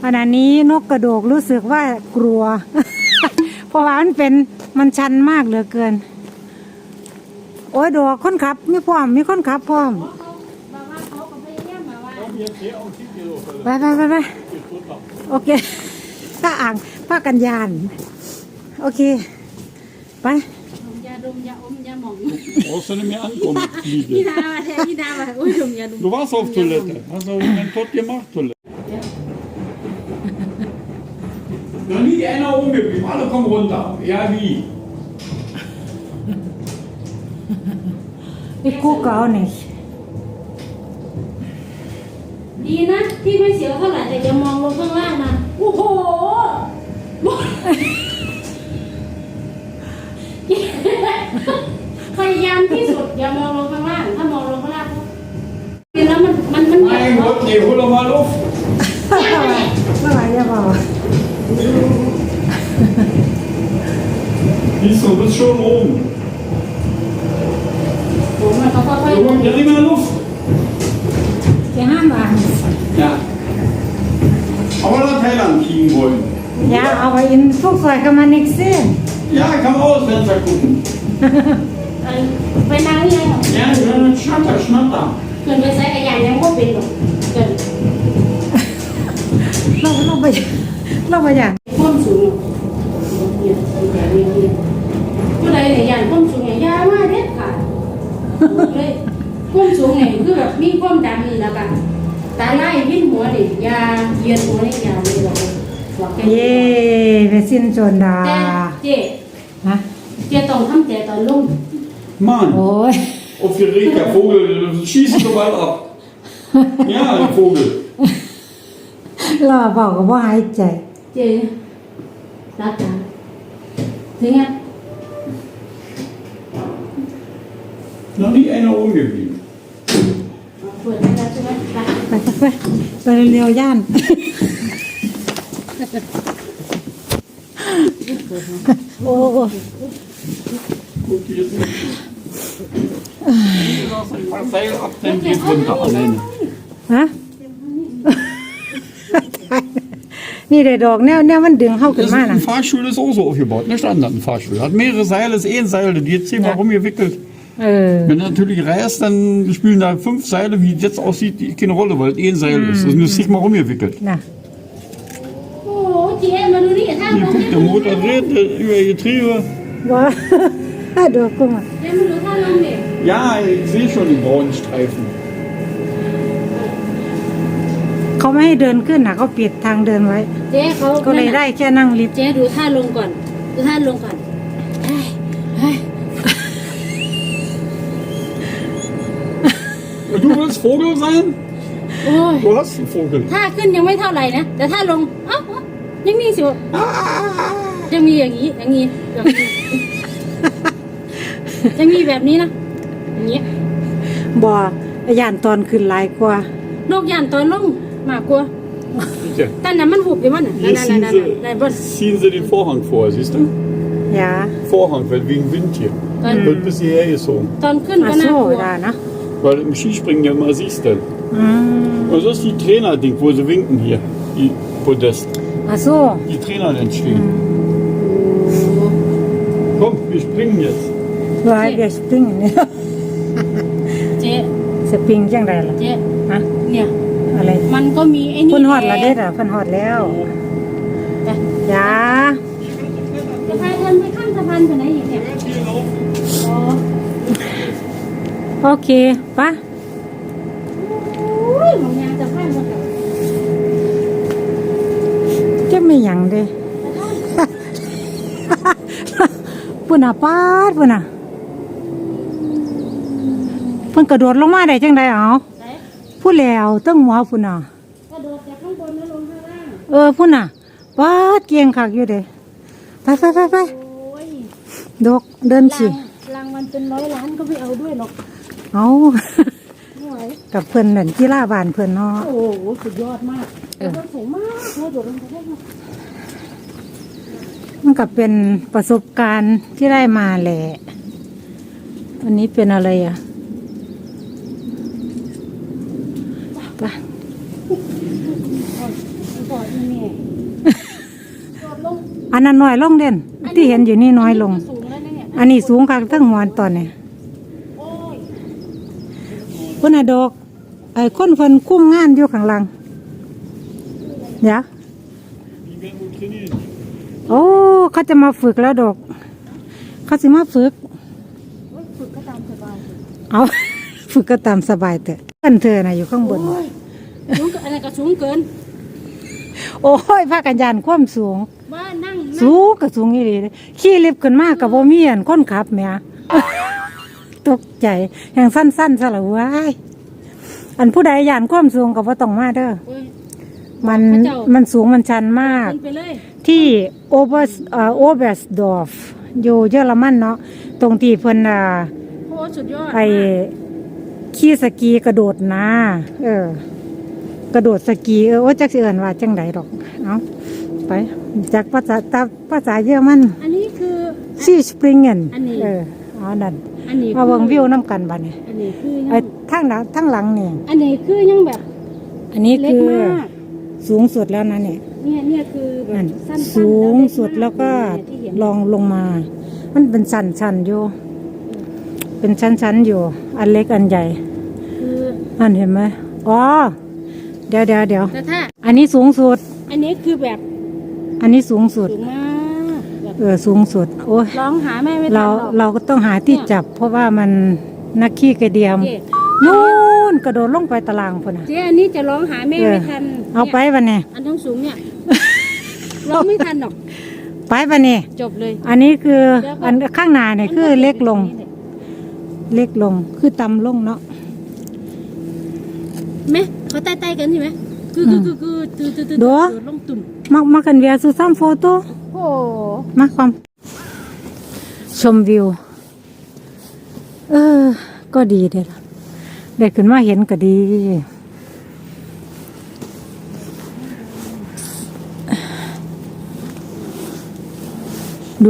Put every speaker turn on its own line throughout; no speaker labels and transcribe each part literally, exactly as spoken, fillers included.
ขณะนี้นกกระโดกรู้สึกว่ากลัว เพราะว่ามันเป็นมันชันมากเหลือเกินโอ้ยดอกคนขับมีพร้อมมีคนขับพร้อมไปไปไปไปโอเคถ้าอ่างผ้ากันยานโอเคไป
ยาดมยาอมยาหม่อง
Brauchst du nicht mehr ankommen,
พี่
Liebe.
ดาแทนพี่ดาแบบอุ้ยดมยาดม
Du warst auf Toilette. Hast du einen Tod gemacht, Toilette? Noch nie einer umgeblieben. Alle kommen runter. Ja, wie?
ไปกู้เก่าหนิ
ดีนะที่ไม่เสียวเท่าไหร่แต่อย่ามองลงข้างล่างนะโอ้โหพยายามที่สุดอย่ามองลงข้างล่างถ้ามองลงข้างล่างแล้วมันมันมัน
Mein Gott, nee, hol doch mal Luft.
เมื่อไหร่จะบอก
Siehst du, du bist schon oben.
ผมมันเขาค่อย
Du holst ja nicht mehr Luft.
จะห้ามอ่าน
Ja. Aber nach Thailand fliegen wollen.
อย่าเอาไปอินพวกสวยกันมานิกซี่
Ja, ich kann aus Fenster gucken.
ๆไปนั่งยัง
Ja, schnatter, schnatter.
เกินไปใส่กระยานยังก็เป็นหรอกเกิน
เราเราไปเราไปอย่าง
ข้อมสูงเนี่ยเนี่ยเนี่ยเมื่อไรเนี่ยยานข้อมสูงเนี่ยยามาเด็ดขาดเลยข้อมสูงเนี่ยคือแบบมีความดันแล้วกันตาไล่วิ่นหัวเนี่ยยาเยียนหัวเนี่ยยาเลยบอกบอกแก
เย่ไปสิ้นโจนดา
แต่เจ๊
ฮะ
เจ๊ต้องทำใจตอนลุ่ม
Mann,
โอ้ย
aufgeregt, der Vogel schießt so bald ab. Ja, der Vogel.
เราบอกกับว่าหายใจ
เจ๊รักกันถึงไง
Noch nie einer umgeblieben.
เปิดแล้วใช่ไหมไป
ไปไปไปเร็วๆย่านโอ้โห
Guck jetzt nicht. Lass ein paar Seil ab, dann geht's runter alleine.
ฮะ นี่เด็ดดอกแนวแนวมันดึงเข้าขึ้น
Das
มา
ist
น่ะ
ein Fahrstuhl ist auch so aufgebaut, eine Standard-Fahrstuhl. Hat mehrere Seile, ist eh ein Seil, die jetzt zehnmal
Ja.
rumgewickelt.
เออ
Wenn du natürlich reißt, dann spielen da fünf Seile, wie es jetzt aussieht, die keine Rolle, weil es eh ein Seil ist. Das ist nur zigmal rumgewickelt.
น่ะ
โอ้เจ๊มาดูนี่ท่า
Hier guckt der Motor dreht äh, über Getriebe.
ว่าดูกุ้งอ่ะ
เจ๊มาดูท่าลงเนี่ย
Ja, ich sehe schon die braunen Streifen.
เขาไม่ให้เดินขึ้นนะเขาปิดทางเดินไว้
เจ๊เขา
ก็เลยได้แค่นั่งลิฟต์
เจ๊ดูท่าลงก่อนดูท่าลงก่อนเฮ้ยเฮ้ย
Du willst Vogel sein?
โอ้ย
Du hast einen Vogel.
ท่าขึ้นยังไม่เท่าไหร่นะแต่ท่าลงเอ้ายังมีสิวยังมีอย่างนี้อย่างนี้อย่างนี้ยังมีแบบนี้นะอย่างนี้
บ่ย่านตอนขึ้นหลายกว่า
โรคยันตอนลงมากกว่า
Bitte.
แต่นั้นมันหุบอยู่มันน่ะ
Hier
นั่น
ziehen
นั่น
sie,
นั่นบน
ziehen sie den Vorhang vor, siehst du?
อย่า
Vorhang, weil wegen Wind hier.
Dann-
Wird bis hierher gezogen.
ตอนขึ้น
อา
ก็น่า
โซ่
กลัว
ได้นะ
Weil im Skispringen ja immer siehst du.
อืม
Und das ist die Trainer-Ding, wo sie winken hier. Die Podest.
อาโซ่
Die Trainer entstehen. Komm, wir springen jetzt.
ว่าเดี๋ยวสปริงเนี่ย
เจ๊
สปริงจังไดล่ะ
เจ๊
ฮะ
เนี่ย
อะไร
มันก็มีไอ้นี่
เพิ่นฮอดแล้วเด้อเพิ่นฮอดแล้ว
แต่
อย่า
จะพาเดินไปข้ามสะพานไปไหนอีกเนี่ยอ๋อ
โอเคปะ
อุ้ยหมองยางสะพานหมดแล้ว
จะไม่หยังเด้ ปุ่นอ่ะปาดปุ่นอ่ะเพิ่นกระโดดลงมาได้จังได๋เอา
ไหน
พูดแล้วตั้งหัวพุ่นน่ะ
กระโดดจากข้างบนแล้วลงข้างล่าง
เออพุ่นน่ะปาดเกียงคักอยู่เด้ไปไปไปไป
โอ้ย
ดกเดินสิ
รางวัลเป็นร้อยล้านก็ไม่เอาด้วยหรอก
เอา
ไม่ไหว
กับเพิ่นนั่นกีฬาบ้านเพิ่นเนาะ
โอ้โหสุดยอดมากกระโดดสูงมากกระโดดลงไปได้ไหม
มันก็เป็นประสบการณ์ที่ได้มาแหละอันนี้เป็นอะไรอ่ะไป
ไปออีแม่โดดลง
อันนั้นน้อยลงเด่นที่เห็นอยู่นี่น้อยลง
สูงแล้วเนี่ย
อันนี้สูงคักทั้งหัวตอนนี้
โอ้ย
พุ่นน่ะดอกไอ้คนเพิ่นคุ้มงานอยู่ข้างหลังเดี๋ยว
Die werden wohl trainieren.
โอ้เขาจะมาฝึกแล้วดอกเขาสิมาฝึก
โอ้ยฝึกก็ตามสบาย
เอา ฝึกก็ตามสบายเถอะเพื่อนเธอน่ะอยู่ข้างบน
โอ้ยสูงเกินอะไรก็สูงเกิน
โอ้ยพากันยานความสูง
ว่านั่งนั่ง
สูงก็สูงอีหลีเด้ขี่ลิฟต์ขึ้นมาก็บ่มีอันคนขับแหม ตกใจแห่งสั้นๆซะละเว้ยอันผู้ใดย่านความสูงก็บ่ต้องมาเด้อ
โอ้ย
มัน
พระเจ้ามั
มันสูงมันชันมาก
ขึ้นไปเลย
ที่โอเบอร์เอ่อโอเบอร์สดอร์ฟอยู่เยอรมันเนาะตรงที่เพิ่นอ่า
โอ้สุดยอด
ไอ้ขี่สกีกระโดดนะเออ กระโดดสกีเออว่าจักสิเอิ้นว่าจังไดดอกเอาไปจากภาษาตาภาษาเยอรมัน
อันนี้คือ
ซีสปริงเงิน
อันนี้
เออเอานั่น
อันนี้
มาเบิ่งวิวนํกันบัดนี้
อันนี้คือยั
ไอ้
ง
ทางหลังทางหลังนี่
อันนี้คือยังแบบ
อันนี้
เล็ก
คือ
มาก
สูงสุดแล้วนะเนี่ย
เนี่ยเนี่ยคือแบบ
นั่น
สั้นๆ
สูง
เล็กมาก
สุดแล้วก็
เนี่ยที่เห็น
ลองลงมา มันเป็นชั้นชั้นๆอยู่ เป็นชั้นชั้นๆอยู่ อันเล็กอันใหญ่
คือ
นั่นเห็นไหมอ๋อเดี๋ยวเดี๋ยวเดี๋ยว
แต่ถ้า
อันนี้สูงสุด
อันนี้คือแบบ
อันนี้สูงสุด
สูงมากแบบ
เออสูงสุด โอ้ย
ร้องหาแม่ไม่ทันหร
เรา
อก
เราก็ต้องหาที่จับ เพราะว่ามันนักขี้กระเดียม
เจ๊
นู่นกระโดดลงไปตารางพุ่นน่ะ
เจ๊อันนี้จะร้องหาแม่
เออ
ไม่ทัน
เอาไป
นี่ย
บันนี้
อันทั้งสูงเนี่ย ร้องไม่ทันหรอก
ไปบันนี้
จบเลย
อันนี้คือ
แล้วก็
อันข้างหน้าเนี่ยคือเล็กลง เล็กลงคือต่ำลงเนาะ
ไหมเขาใต้ๆกันใช่ไหมคือคือคือคือคือคือคือ
ดู
ลงตุ่ม
มามากันเวียสุซัมโฟโต้
โอ้
มาความชมวิว เออ ก็ดีเด้อล่ะได้ขึ้นมาเห็นก็ดี ดู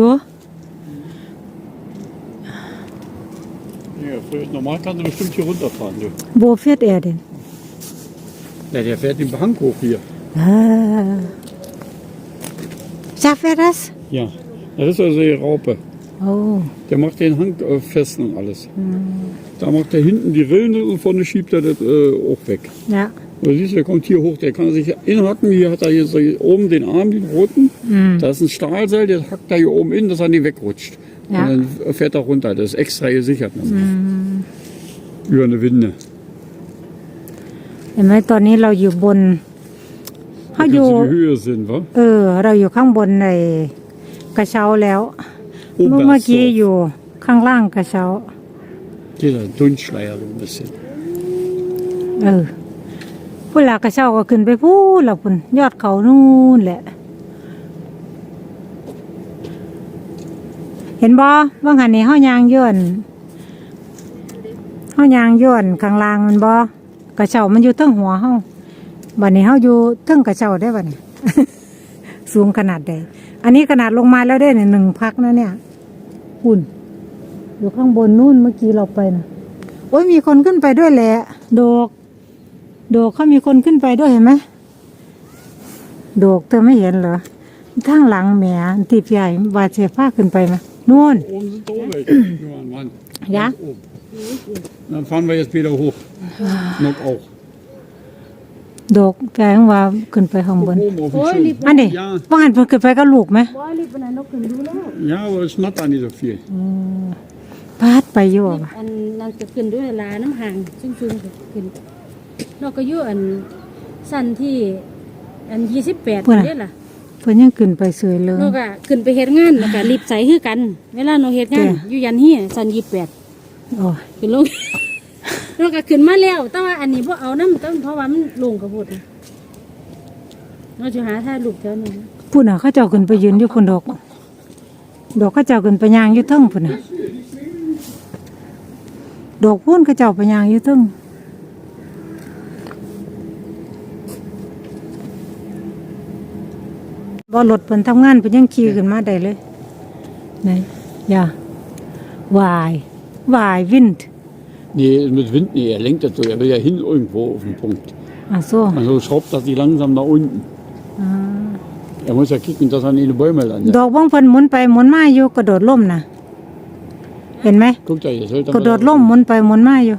Ja, normal kannst du bestimmt hier runterfahren. Du.
โบเฟียดแอร์เด่น
Ja, der fährt den Hang hoch hier.
อ่าชาเฟรัส
Ja, das ist also die Raupe.
โอ้
Der macht den Hang äh, fest und alles. Da macht er hinten die Rillen und vorne schiebt er das äh, auch weg.
นะ
Du siehst, der kommt hier hoch, der kann sich inhacken. Hier hat er hier so hier oben den Arm, den roten. Da ist ein Stahlseil, der hackt da hier oben in, dass er nicht wegrutscht.
Ja.
Und dann fährt er runter. Das ist extra gesichert. Über eine Winde.
เห็นไหมตอนนี้เราอยู่บน
Da
เขาอ
kannst
ยู่
du die Höhe sehen, wa?
เออ เราอยู่ข้างบนในกระเช้าแล้ว เมื่อเมื่อกี้อยู่ข้างล่างกระเช้า
Dieser Dunstschleier so ein bisschen.
เออพุ่นละกระเช้าก็ขึ้นไปพูนละพุ่นยอดเขานู่นแหละ เห็นบ่ว่างหันนี่เฮายางย้อนเฮายางย้อนข้างล่างมันบ่กระเช้ามันอยู่เทิงหัวเฮาบัดนี้เฮาอยู่เทิงกระเช้าได้บัดนี้ สูงขนาดใดอันนี้ขนาดลงมาแล้วได้เนี่ยหนึ่งพักนะเนี่ยหุ่นอยู่ข้างบนนู่นเมื่อกี้เราไปนะโอ้ยมีคนขึ้นไปด้วยแหละโดกโดกเขามีคนขึ้นไปด้วยเห็นไหมโดกเธอไม่เห็นเหรอทางหลังแหมติดใหญ่บาดเจ็บผ้าขึ้นไปไหมนู่น
Oben sind auch welche. Nur an Wand.
Ja?
Ganz oben. Dann fahren wir jetzt wieder hoch. Noch auch.
โดกแกงว่าขึ้นไปข้างบน
Oben auf dem
Oh,
Schirm.
lieb.
อันนี้
Ja,
ว่าหันเพิ่นขึ้นไปก็ลูกไหม
ว่ารีบไปไหนนกขึ้นดูแล้ว
ja, aber es schnattert nicht so viel.
พาดไปอยู่ว่ะ
อันนั่นจะขึ้นด้วยลาน้ำห่างซึ่งซึ่งขึ้นนอกก็อยู่อันสั้นที่อันยี่สิบแปดนี่ล่ะ
เพิ่นยังขึ้นไปสวยเลย
นกอะขึ้นไปเฮ็ดงานแล้วก็รีบใส่คือกัน เวลานกเฮ็ดงาน
เจ้
อยู่ยันเฮียสั้นยี่สิบแปด
โอ้ย
ขึ้นลง นกก็ขึ้นมาแล้ว แต่ว่าอันนี้บ่เอาน้ำต้นเพราะว่ามันลงกระพุดเราจะหาท่าลูกแถวนี้นะ
พุ่นน่ะเขาเจ้าขึ้นไปยืนอยู่คนดอก ดอกเขาเจ้าขึ้นไปยางอยู่เทิงพุ่นน่ะดอกพุ่นเขาเจ้าไปยางอยู่เทิงบ่รถเพิ่นทำงานเพิ่นยังขี่ขึ้นมาได้เลยไหนอย่าวายวายวินด์
Nee, mit Wind, nee, er lenkt das so. Er will ja hin irgendwo auf den Punkt.
อ่ะโซ่
Also schraubt das die langsam nach unten.
อ่า
Er muss ja kicken, dass er nicht in die Bäume
ด
landet.
อกบ้องเพิ่นหมุนไปหมุนมาอยู่กระโดดล่มนะเห็นไหม
Guck da, jetzt hält er
กระโดด
mal-
ล่มหมุนไปหมุนมาอยู่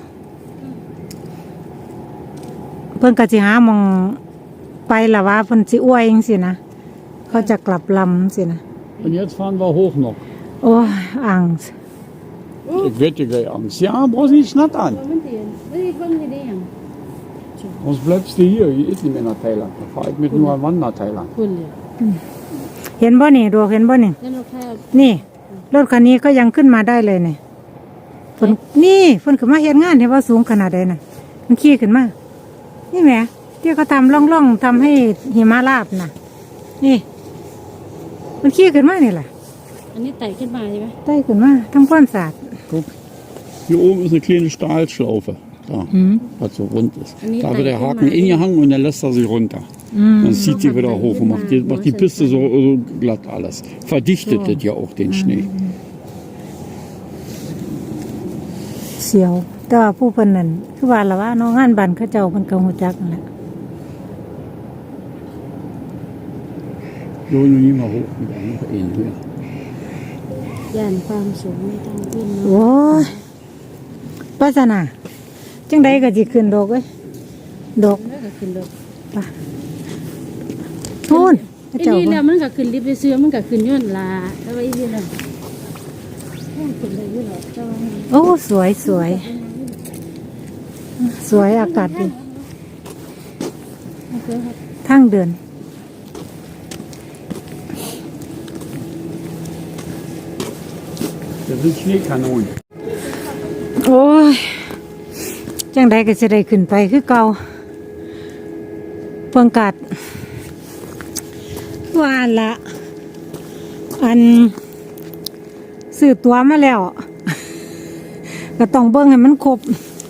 เพิ่นก็สิหาหมองไปละว่าเพิ่นสิอ้วยจังซี่นะเขาจะกลับลำสินะ
Und jetzt fahren wir hoch noch.
โอ้ยอ่าง
Ich wette gleich Angst. Ja, brauchst nicht schnattern.
มันเตียนเฮ้ยเบิ่งนี่ได้หยัง
Sonst bleibst du hier. Hier ist nicht mehr nach Thailand. Da fahre ich mit nur einem Mann nach Thailand.
คุณเลย
เห็นบ่นี่ดวกเห็นบ่นี่
นั่นเราแค่
นี่รถคันนี้ก็ยังขึ้นมาได้เลยเนี่ยเพิ่นนี่เพิ่นขึ้นมาเฮ็ดงานเห็นว่าสูงขนาดใดน่ะมันขี่ขึ้นมานี่แหมที่เขาทำร่องๆทำให้หิมะราบน่ะ นี่ มันขี่ขึ้นมานี่แหละ
อันนี้ไต่ขึ้นมาใช่ไหม
ได้ขึ้นมาทำความสะอาด
Guck, hier oben ist eine kleine Stahlschlaufe. Da,
Mhm.
was so rund ist.
Und die
Da wird der
Teile
Haken
immer-
ingehangen und dann lässt er sich runter. Dann zieht sie wieder hoch und macht die, macht die Piste so, so glatt alles. Verdichtet das ja auch den Schnee.
เสียวแต่ว่าผู้เพิ่นนั่นคือว่าละว่าน้องงานบ้านเขาเจ้าเพิ่นก็ฮู้จักนั่นแหละ
So, nun nie mal hoch, wieder noch einen höher.
ย่านความสูงไม่ต้องขึ้นเนาะ
โอ้ยปัสนาจังใดก็สิขึ้นดอกเว้ยดอก
แล้วก็ขึ้นรถ
ทูนเขา
ไอ้
เจ้า
นี่
เพิ่
แล้
น
วมันก็ขึ้นลิฟต์ไปซื้อมันก็ขึ้นย้อนลาแล้วไอ้นี่น่ะแค่ขึ้นได้อยู่หรอกแต่ว่ามัน
โอ้สวยสวยสวยอากาศดี
มันก็ครับ
ทั้งเดือน
Das sind Schneekanonen.
โอ้ยจังใดก็จะได้ขึ้นไปคือเก่าเพิ่งกัดว่าละอันซื้อตัวมาแล้ว ก็ต้องเบิ่งให้มันครบ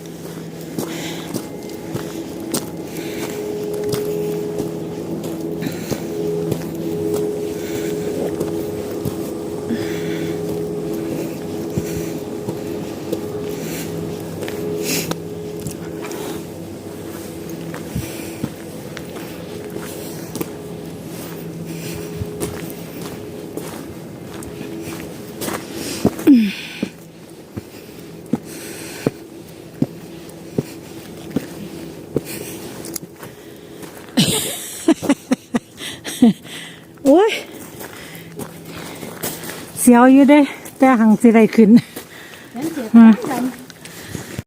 โอ้ยเสียวอยู่เด้แต่หังสิได้ขึ้น
งั้นเสีย
อืม
ตังค์